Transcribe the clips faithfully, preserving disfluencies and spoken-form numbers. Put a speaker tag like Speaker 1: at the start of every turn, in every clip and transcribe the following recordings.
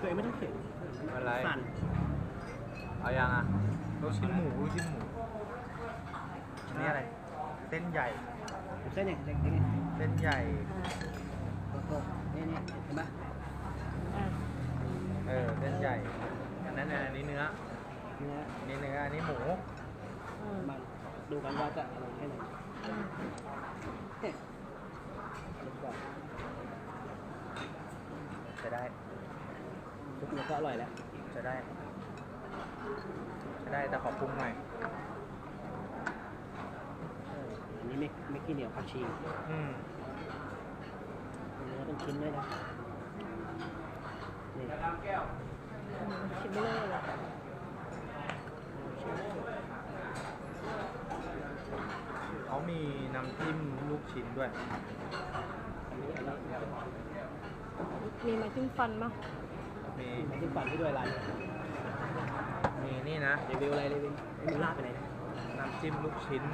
Speaker 1: ตัวเองไม่ต้องเข็น
Speaker 2: อะไร
Speaker 1: สั่น
Speaker 2: เอายังอ่ะลูกชิ้นหมูลูกชิ้นหมูนี่อะไรเส้นใหญ่
Speaker 1: เส้นเนี่ยเส้นเนี่ย
Speaker 2: เส้นใหญ่
Speaker 1: โอ้โหนี่นี่เห็นปะ
Speaker 3: อ่ะ
Speaker 2: เออเส้นใหญ่อันนั้นอันนี้เนื้อ
Speaker 1: เนื้อ
Speaker 2: อันนี้เนื้ออันนี้หมู
Speaker 3: อืม
Speaker 1: มันดูกันว่าจะอร่อยแค่ไหนเอ๊ะดูก่อน
Speaker 2: จะได้
Speaker 1: ทุกเนื้อก็อร่อยแล้ว
Speaker 2: จะได้จะได้แต่ขอปรุงหน่อย
Speaker 1: เอออันนี้ไม่ไม่ขี้เหนียวผักชี
Speaker 2: อืม
Speaker 1: เนื้อเป็นชิ้นด้วยนะนี่
Speaker 3: ชิมไม่เลยเหรอ
Speaker 2: เขามีน้ำจิ้มลูกชิ้นด้วย
Speaker 1: อันนี้อร่อย
Speaker 3: มีไม้จิ้มฟันมั้ย
Speaker 2: มี
Speaker 1: น้ำจิ้มปั่นที่ด้วยร้าน
Speaker 2: มีนี่นะ
Speaker 1: รีวิวอะไรรีวิวไอ้มึงลาดไปไหนนะ
Speaker 2: น้ำจิ้มลูกชิ้น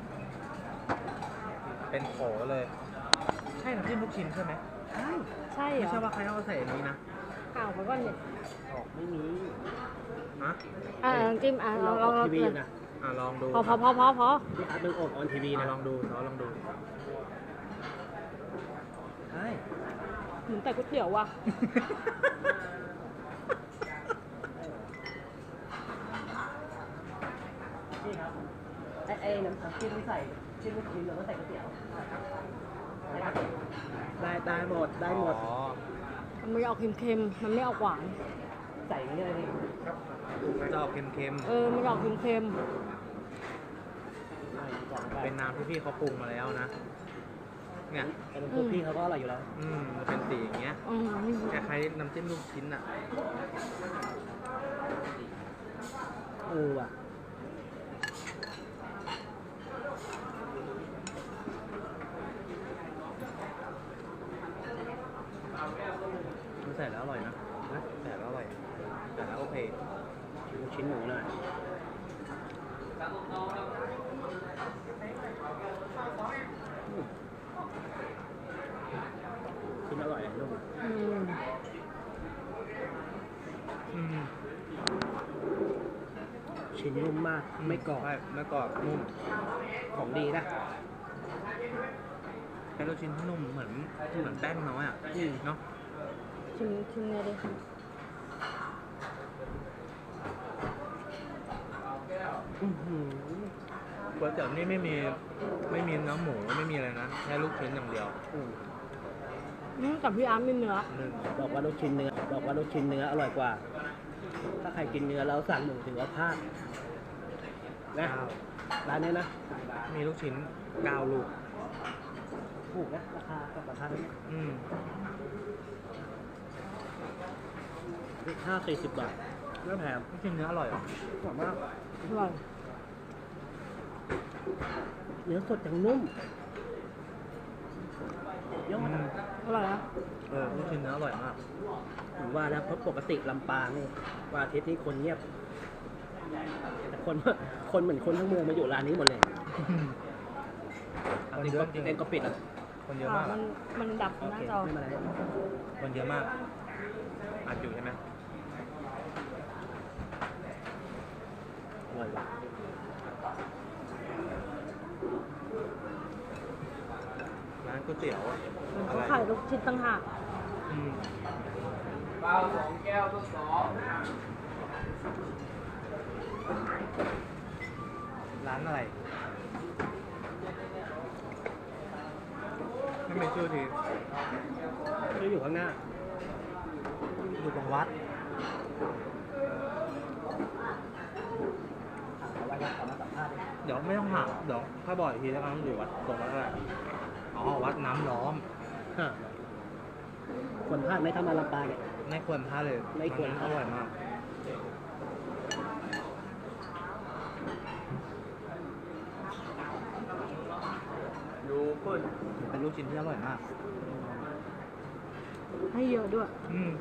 Speaker 2: เป็นโขเลย ใช่น้ำจิ้มลูกชิ้นใช่ไหม
Speaker 1: ใช่
Speaker 3: ใช่เหร
Speaker 2: ไม่
Speaker 3: อ
Speaker 2: ใช่ว่าใครเอาใส่อันนี้นะ
Speaker 3: อ้าวไปก่อนเนี่ย
Speaker 1: ออกไม่มี
Speaker 2: ฮะ
Speaker 3: อ่ะลองจิ้มอ่ะล
Speaker 1: เรา
Speaker 3: องล
Speaker 1: อ
Speaker 3: อ
Speaker 1: อง ก
Speaker 3: ลอง
Speaker 1: ทีวีอยู่นะ
Speaker 2: อ่ะลองดู
Speaker 3: พอพอพอพอพอ
Speaker 1: พี่อาร์ตมึงออกออนทีวี
Speaker 2: อ่ะ
Speaker 1: นะ
Speaker 2: ลองดูซอลองดู
Speaker 1: ใช่
Speaker 3: เหมือนแต่ก๋วยเตี๋ยวว่ะ
Speaker 1: นี่ครับไอ้ไอ้น้ำจิ้มที่ใส่ชิ้นลูกชิ้นเราก็ใส่ก๋วยเตี๋ยวได้ได้หมดได้หมด
Speaker 2: อ๋อ
Speaker 3: มันไม่ออกเค็มๆ มันไม่ออกหวาน
Speaker 1: ใส่กันเลยนี่
Speaker 2: จะออกเค็ม
Speaker 3: เออ มันออกเค็ม
Speaker 2: ๆ เป็นน้ำที่พี่เขาปรุงมาแล้วนะ เนี่ย
Speaker 1: แต่เป็นพวกพี่เขาก็อร่อยอยู่แล้ว
Speaker 2: อืมมันเป็นสีอย่างเงี้ย
Speaker 3: ๆอืมนี่
Speaker 2: คล้ายๆน้ำจิ้มลูกชิ้นอ่ะ
Speaker 1: เออว่ะ
Speaker 2: มันใส่แล้วอร่อยนะนะใส่แล้วอร่อยใส่แล้วโอเค
Speaker 1: ลูกชิ้นหมูหน่อยอืมชิ้นอร่อยเลยนุ่ม
Speaker 3: อืม
Speaker 2: อืม
Speaker 1: ชิ้นนุ่มมากไม่กรอบ
Speaker 2: ใช่ไม่กรอบนุ่ม
Speaker 1: ของดีนะ
Speaker 2: แค่ลูกชิ้นที่นุ่มเหมือนเหมือนแป้งน้อยอ่ะ
Speaker 1: อืม
Speaker 2: เนาะ
Speaker 3: ชิมชิมเลยดิ
Speaker 1: อื้อหือ
Speaker 2: ก๋วยเตี๋ยวนี่ไม่มีไม่มีเนื้อหมูไม่มีอะไรนะแค่ลูกชิ้นอย่างเดียว
Speaker 1: อืม
Speaker 3: อืมกับพี่อาร์ตมีเนื้อ
Speaker 2: หนึ่ง
Speaker 1: บอกว่าลูกชิ้นเนื้อบอกว่าลูกชิ้นเนื้ออร่อยกว่า ถ้าใครกินเนื้อแล้วสั่งหมูถือว่าพลาดนะ
Speaker 2: เก้า
Speaker 1: ร้านนี้นะ
Speaker 2: มีลูกชิ้นเก้าลูก
Speaker 1: ถูกนะราคากับราคานี้
Speaker 2: อืม
Speaker 1: ห้าสี่สิบบาทไม่แพง
Speaker 2: ลูกชิ้นเนื้ออร่อยเหรอ
Speaker 1: หอมมาก
Speaker 3: อร่อย
Speaker 1: เนื้อสดอย่างนุ่มเยอะ
Speaker 2: อื
Speaker 1: มาก
Speaker 2: ม
Speaker 3: อร่อยนะ
Speaker 2: เออลูกชิ้นเนื้ออร่อยมาก
Speaker 1: ผมว่าแล้วเพราะปกติลำปางนี่วันอาทิตย์นี้คนเงียบแต่คนคนเหมือนคนทั้งเมืองมาอยู่ร้านนี้หมดเลย
Speaker 2: คนเยอะจริง
Speaker 1: เองก็ปิดอ่ะ
Speaker 2: คนเยอะ
Speaker 3: อ่ะ
Speaker 2: มาก
Speaker 3: มั
Speaker 2: อะ
Speaker 3: นมันดับห
Speaker 1: โอ
Speaker 3: น้า
Speaker 1: เค
Speaker 3: จอ
Speaker 1: ไม่เป็นไร
Speaker 2: คนเยอะมากอัดอยู่ใช่ไหม
Speaker 1: อร่อยว่ะ
Speaker 2: ร้านก๋วยเตี๋ยวอะ
Speaker 3: เขาขายลูกชิ้นต่างหาก
Speaker 2: อืม
Speaker 4: เปล่าสองแก้วทดสอบ
Speaker 2: ร้านอะไรไม่มีชื่อที
Speaker 1: ที่อยู่ข้างหน้า
Speaker 2: อยู่ตรงวัด
Speaker 1: เอาไว้ครับขอมาสัมภาษณ์ดิ
Speaker 2: เดี๋ยวไม่ต้องถามเดี๋ยวถ้าบอกอีกทีแล้วกันอยู่วัดตรงวัดอะไรอ๋อวัดน้ำล้อม
Speaker 1: ฮะคนพลาดไหมถ้ามาลำปางเนี่ย
Speaker 2: ไม่ควรพลาดเลย
Speaker 1: ไม่ควรพลาด
Speaker 2: อร่อยมากดูเปิ้ลเป็นลูกชิ้นที่อร่อยมาก
Speaker 3: ให้เยอะด้วย
Speaker 2: อืม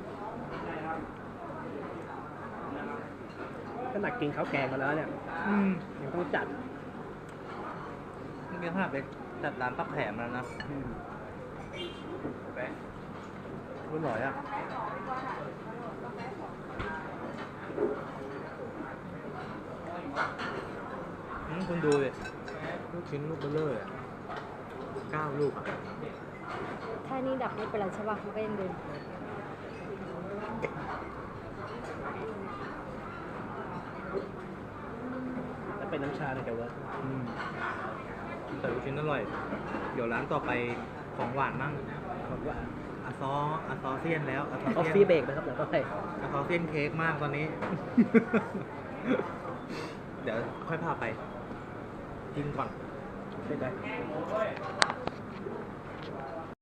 Speaker 1: ขนาดกินข้าวแกงมาแล้วเนี่ย
Speaker 2: อืม
Speaker 1: ยังต้องจัด
Speaker 2: เมื่อกี้ขนาดไปจัดร้านปักแผมแล้วนะ
Speaker 1: อืม
Speaker 2: อร่อยอ่ะอืมคุณดูเลยลูกชิ้นลูกเบลเลอร์อะเก้าลูกอ่ะ
Speaker 3: ถ้านี่ดับไม่เป็นไรใช่ป่ะมันก็ยังเดิน
Speaker 1: ถ้าเป็นน้ำชาเนี่ยจะเวิร์ก
Speaker 2: อืมแต่ลูกชิ้นอร่อย เดี๋ยวร้านต่อไปของหวานมั่ง
Speaker 1: บอกว่า
Speaker 2: อาซออาซอเซียนแล้วอาซอ
Speaker 1: ออฟ
Speaker 2: เซียน
Speaker 1: ฟี่เบรกนะครับเดี๋ยวก็ไป
Speaker 2: อาซอเซียนเค้กมากตอนนี้ เดี๋ยวค่อยพาไปกินก่อน
Speaker 1: เป็นไป